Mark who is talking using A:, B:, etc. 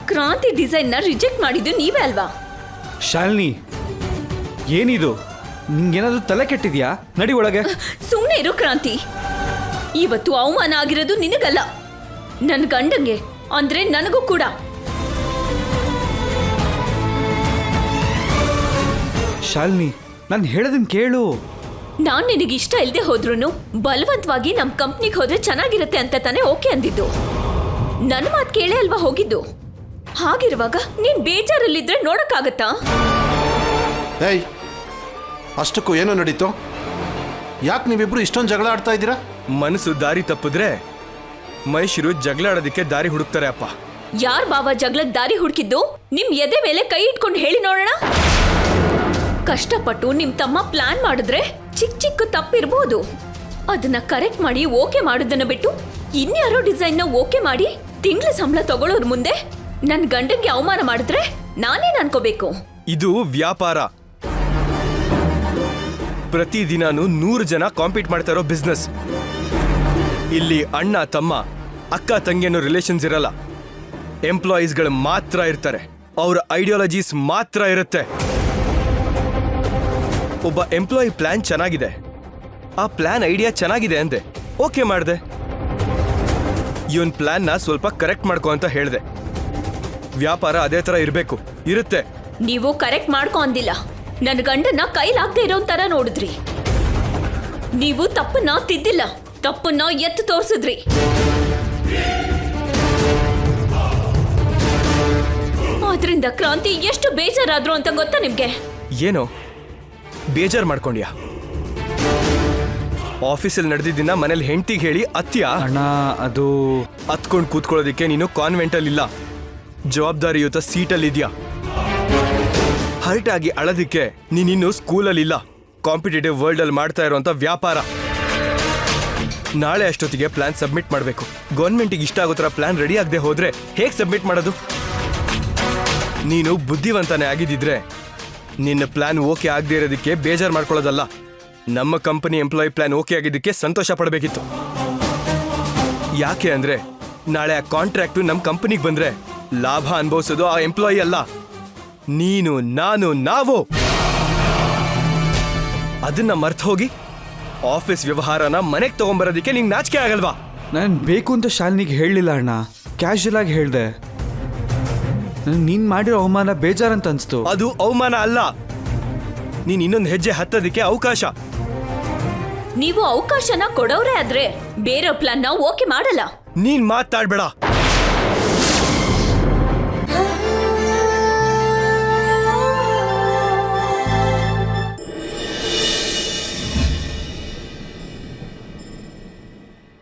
A: ಕ್ರಾಂತಿ ಡಿಸೈನ್ ನ ರಿಜೆಕ್ಟ್ ಮಾಡಿದ್ದು ನೀವೇ ಅಲ್ವಾ?
B: ಶಾಲಿನಿ, ಏನಿದು? ನಿಂಗೇನಾದ್ರೂ ತಲೆ ಕೆಟ್ಟಿದ್ಯಾ? ನಡಿ ಒಳಗೆ.
A: ಸುಮ್ಮನೆ ಇರು ಕ್ರಾಂತಿ. ಇವತ್ತು ಅವಮಾನ ಆಗಿರೋದು ನಿನಗಲ್ಲ, ನನ್ನ ಗಂಡಂಗೆ, ಅಂದ್ರೆ ನನಗೂ ಕೂಡ.
B: ಶಾಲಿನಿ, ನಾನು ಹೇಳೋದನ್ನ ಕೇಳು.
A: ನಾನ್ ನಿನಗೆ ಇಷ್ಟ ಇಲ್ಲದೆ ಹೋದ್ರೂ ಬಲವಂತವಾಗಿ ನಮ್ ಕಂಪ್ನಿಗೆ ಹೋದ್ರೆ ಚೆನ್ನಾಗಿರುತ್ತೆ ಅಂತ ತಾನೇ ಓಕೆ ಅಂದಿದ್ದು. ನನ್ನ ಮಾತು ಕೇಳೇ ಅಲ್ವಾ ಹೋಗಿದ್ದು. ಹಾಗಿರುವಾಗ ನೀನ್ ಬೇಜಾರಲ್ಲಿದ್ರೆ ನೋಡಕ್ಕಾಗತ್ತಾ?
C: ಏಯ್, ಅಷ್ಟಕ್ಕೂ ಏನೋ ನಡೀತು? ಯಾಕೆ ನೀವಿಬ್ರು ಇಷ್ಟೊಂದು ಜಗಳ ಆಡ್ತಾ ಇದ್ದೀರಾ?
D: ಮನಸ್ಸು ದಾರಿ ತಪ್ಪಿದ್ರೆ ಮನುಷ್ಯರು ಜಗಳ ಆಡೋದಕ್ಕೆ ದಾರಿ ಹುಡುಕ್ತಾರೆ ಅಪ್ಪ.
A: ಯಾರ್ ಬಾವ ಜಗಳದ ದಾರಿ ಹುಡುಕಿದ್ದು? ನಿಮ್ ಎದೆ ಮೇಲೆ ಕೈ ಇಟ್ಕೊಂಡು ಹೇಳಿ ನೋಡೋಣ. ಕಷ್ಟಪಟ್ಟು ನಿಮ್ ತಮ್ಮ ಪ್ಲಾನ್ ಮಾಡಿದ್ರೆ ಚಿಕ್ಕ ಚಿಕ್ಕ ತಪ್ಪಿರ್ಬೋದು, ಅದನ್ನ ಕರೆಕ್ಟ್ ಮಾಡಿ ಓಕೆ ಮಾಡೋದನ್ನ ಬಿಟ್ಟು ಇನ್ಯಾರೋ ಡಿಸೈನ್ ನ ಓಕೆ ಮಾಡಿ ತಿಂಗಳ ಸಂಬಳ ತಗೊಳ್ಳೋರ್ ಮುಂದೆ ನನ್ ಗಂಡಂಗೆ ಅವಮಾನ ಮಾಡಿದ್ರೆ ನಾನೇನ್ ಅನ್ಕೋಬೇಕು?
D: ಇದು ವ್ಯಾಪಾರ. ಪ್ರತಿದಿನಾನು 100 ಜನ ಕಾಂಪೀಟ್ ಮಾಡ್ತಾ ಇರೋ ಬಿಸ್ನೆಸ್. ಇಲ್ಲಿ ಅಣ್ಣ ತಮ್ಮ ಅಕ್ಕ ತಂಗಿ ಅನ್ನೋ ರಿಲೇಷನ್ಸ್ ಇರಲ್ಲ. ಎಂಪ್ಲಾಯೀಸ್ಗಳು ಮಾತ್ರ ಇರ್ತಾರೆ, ಅವ್ರ ಐಡಿಯಾಲಜೀಸ್ ಮಾತ್ರ ಇರುತ್ತೆ. ಒಬ್ಬ ಎಂಪ್ಲಾಯಿ ಪ್ಲಾನ್ ಚೆನ್ನಾಗಿದೆ, ಆ ಪ್ಲಾನ್ ಐಡಿಯಾ ಚೆನ್ನಾಗಿದೆ ಅಂದೆ, ಓಕೆ ಮಾಡಿದೆ. ಇವನ್ ಪ್ಲಾನ್ನ ಸ್ವಲ್ಪ ಕರೆಕ್ಟ್ ಮಾಡ್ಕೊ ಅಂತ ಹೇಳ್ದೆ. ವ್ಯಾಪಾರ ಅದೇ ತರ ಇರಬೇಕು, ಇರುತ್ತೆ.
A: ನೀವು ಕರೆಕ್ಟ್ ಮಾಡ್ಕೊ ಅಂದಿಲ್ಲ, ನನ್ನ ಗಂಡನ್ನ ಕೈಲಾಗದೆ ಇರೋ ತರ ನೋಡಿದ್ರಿ. ನೀವು ತಪ್ಪನ್ನ ತಿದ್ದಿಲ್ಲ, ತಪ್ಪನ್ನ ಎತ್ತು ತೋರಿಸಿದ್ರಿ. ಆದ್ರಿಂದ ಕ್ರಾಂತಿ ಎಷ್ಟು ಬೇಜಾರಾದ್ರು ಅಂತ ಗೊತ್ತಾ ನಿಮ್ಗೆ?
D: ಏನೋ ಬೇಜಾರ್ ಮಾಡ್ಕೊಂಡ್ಯಾ? ಆಫೀಸಲ್ಲಿ ನಡೆದಿದ್ದನ್ನ ಮನೇಲಿ ಹೆಂಡತಿಗೆ ಹೇಳಿ ಅತ್ಯ
B: ಅಣ್ಣ, ಅದು
D: ಹತ್ಕೊಂಡು ಕೂತ್ಕೊಳ್ಳೋದಿಕ್ಕೆ ನೀನು ಕಾನ್ವೆಂಟಲ್ಲಿ ಇಲ್ಲ, ಜವಾಬ್ದಾರಿಯುತ ಸೀಟಲ್ಲಿದ್ಯಾ. ಹರ್ಟ್ ಆಗಿ ಅಳೋದಿಕ್ಕೆ ನೀನಿನ್ನು ಸ್ಕೂಲಲ್ಲಿ ಇಲ್ಲ, ಕಾಂಪಿಟೇಟಿವ್ ವರ್ಲ್ಡ್ ಅಲ್ಲಿ ಮಾಡ್ತಾ ಇರುವಂತ ವ್ಯಾಪಾರ. ನಾಳೆ ಅಷ್ಟೊತ್ತಿಗೆ ಪ್ಲಾನ್ ಸಬ್ಮಿಟ್ ಮಾಡಬೇಕು. ಗೌರ್ಮೆಂಟಿಗೆ ಇಷ್ಟ ಆಗೋ ಥರ ಪ್ಲಾನ್ ರೆಡಿ ಆಗದೆ ಹೋದ್ರೆ ಹೇಗೆ ಸಬ್ಮಿಟ್ ಮಾಡೋದು? ನೀನು ಬುದ್ಧಿವಂತನೇ ಆಗಿದ್ದಿದ್ರೆ ನಿನ್ನ ಪ್ಲಾನ್ ಓಕೆ ಆಗದೆ ಇರೋದಕ್ಕೆ ಬೇಜಾರು ಮಾಡ್ಕೊಳ್ಳೋದಲ್ಲ, ನಮ್ಮ ಕಂಪನಿ ಎಂಪ್ಲಾಯಿ ಪ್ಲಾನ್ ಓಕೆ ಆಗಿದ್ದಕ್ಕೆ ಸಂತೋಷ ಪಡಬೇಕಿತ್ತು. ಯಾಕೆ ಅಂದ್ರೆ ನಾಳೆ ಆ ಕಾಂಟ್ರಾಕ್ಟು ನಮ್ಮ ಕಂಪನಿಗೆ ಬಂದ್ರೆ ಲಾಭ ಅನುಭವಿಸೋದು ಆ ಎಂಪ್ಲಾಯಿ ಅಲ್ಲ, ನೀನು, ನಾನು, ನಾವು. ಅದನ್ನ ಮರ್ತು ಹೋಗಿ ಆಫೀಸ್ ವ್ಯವಹಾರನ ಮನೆಗೆ ತಗೊಂಡ್ಬರೋದಕ್ಕೆ ನಿಂಗೆ ನಾಚಿಕೆ ಆಗಲ್ವಾ?
B: ನಾನು ಬೇಕು ಅಂತ ಶಾಲಿನಿಗೆ ಹೇಳಲಿಲ್ಲ ಅಣ್ಣ, ಕ್ಯಾಶುಯಲ್ ಆಗಿ ಹೇಳ್ದೆ. ನೀನ್ ಮಾಡಿರೋ ಅವಮಾನ ಬೇಜಾರಂತ ಅನ್ಸ್ತು.
D: ಅದು ಅವಮಾನ ಅಲ್ಲ, ನೀನ್ ಇನ್ನೊಂದು ಹೆಜ್ಜೆ ಹತ್ತೋದಕ್ಕೆ ಅವಕಾಶ.
A: ನೀವು ಅವಕಾಶನ ಕೊಡೋರೇ ಆದ್ರೆ ಬೇರೆ ಪ್ಲಾನ್ ನ ಓಕೆ ಮಾಡಲ್ಲ.
D: ನೀನ್ ಮಾತಾಡ್ಬೇಡ.